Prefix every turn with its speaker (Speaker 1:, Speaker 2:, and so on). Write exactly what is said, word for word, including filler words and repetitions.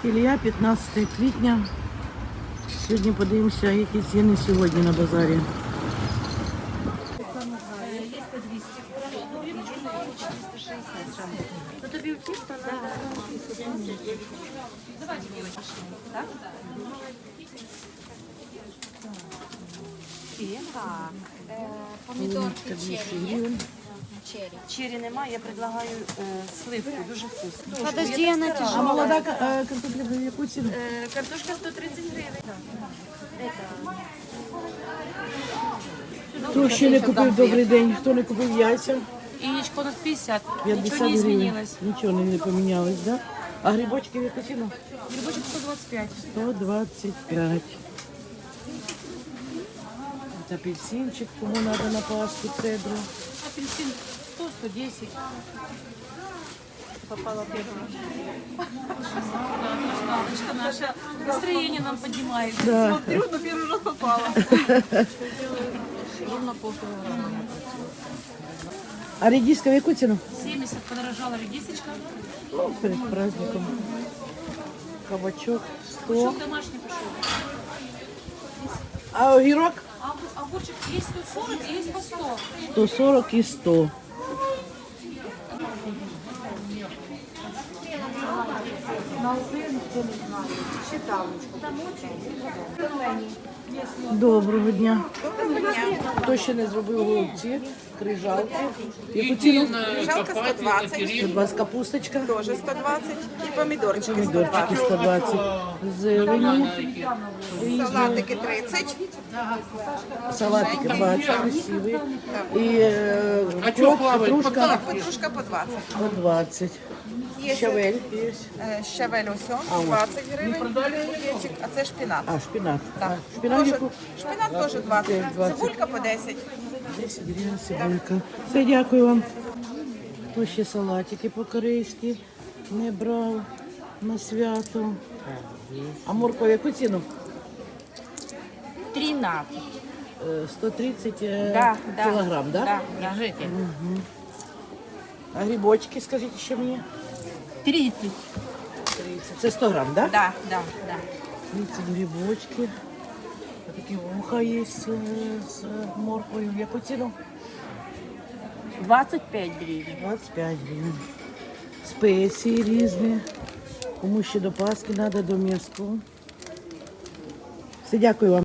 Speaker 1: Ілля, п'ятнадцяте квітня. Сьогодні подивимося, які ціни сьогодні на базарі.
Speaker 2: Так, помідорки черрі.
Speaker 3: Черри немає, я предлагаю е, сливку, дуже вкусно.
Speaker 2: Подожди, вона
Speaker 1: А
Speaker 2: тяжела.
Speaker 1: молода е, картопля в яку ціну?
Speaker 3: Е, картошка сто тридцять гривень.
Speaker 1: Хто ще не купив, добрий день, хто не купив яйця?
Speaker 3: Яєчко на п'ятдесят.
Speaker 1: п'ятдесят
Speaker 3: Нічого не
Speaker 1: гривень.
Speaker 3: змінилось.
Speaker 1: Нічого не помінялось, так? Да? А грибочки в яку ціну?
Speaker 3: Грибочок сто двадцять п'ять.
Speaker 1: сто двадцять п'ять. От апельсинчик, кому треба на пасху, цедру.
Speaker 3: Апельсин сто сто десять. Попала первая. Галочка наша. Настроение нам поднимает.
Speaker 1: Да.
Speaker 3: Смотрю, на первый раз попала. Ровно полкилограмма.
Speaker 1: А редиска в яку ціну?
Speaker 3: семьдесят подорожала редисочка.
Speaker 1: Ну, перед праздником. Кабачок сто.
Speaker 3: Пушок домашний пошел.
Speaker 1: А огірок?
Speaker 3: А огурчик есть сто сорок, есть по сто.
Speaker 1: сто сорок і сто. Доброго дня. Хто ще не зробив голубці, крижалки? Яку ціну?
Speaker 4: Жалко сто двадцать,
Speaker 1: сто двадцять капусточка,
Speaker 4: тоже сто двадцать. И помидорчики сто
Speaker 1: помідорчики
Speaker 4: двадцать.
Speaker 1: сто двадцять, зелені,
Speaker 4: Салатики тридцать.
Speaker 1: салатики двадцять, красиві. І е, крок, петрушка
Speaker 4: Петрушка по двадцать.
Speaker 1: по двадцять.
Speaker 4: Є
Speaker 1: Щавель є.
Speaker 4: е, щавель усьо, двадцять гривень. Кур'єчик, а це шпинат.
Speaker 1: А, шпинат.
Speaker 4: Так.
Speaker 1: А, шпинат
Speaker 4: Тоже-
Speaker 1: яку?
Speaker 4: Шпинат теж двадцять.
Speaker 1: двадцять.
Speaker 4: Цибулька по десять.
Speaker 1: десять гривень цибулька. Все, дякую вам. Хто ще салатики по-корейськи не брав на свято. А морква в яку ціну?
Speaker 2: тринадцять.
Speaker 1: Е, сто тридцять е,
Speaker 2: Да, да.
Speaker 1: кілограм, да?
Speaker 2: Да, держите.
Speaker 1: А грибочки, скажіть ще мені?
Speaker 2: тридцать.
Speaker 1: тридцять. Це сто грам, да?
Speaker 2: Да, да, да.
Speaker 1: тридцять грибочки. А такі вуха є з, з морквою. В яку ціну?
Speaker 2: двадцать пять гривен.
Speaker 1: двадцять п'ять гривень. Спеції різні. Кому ще до Пасхи треба, до м'язку. Все, дякую вам.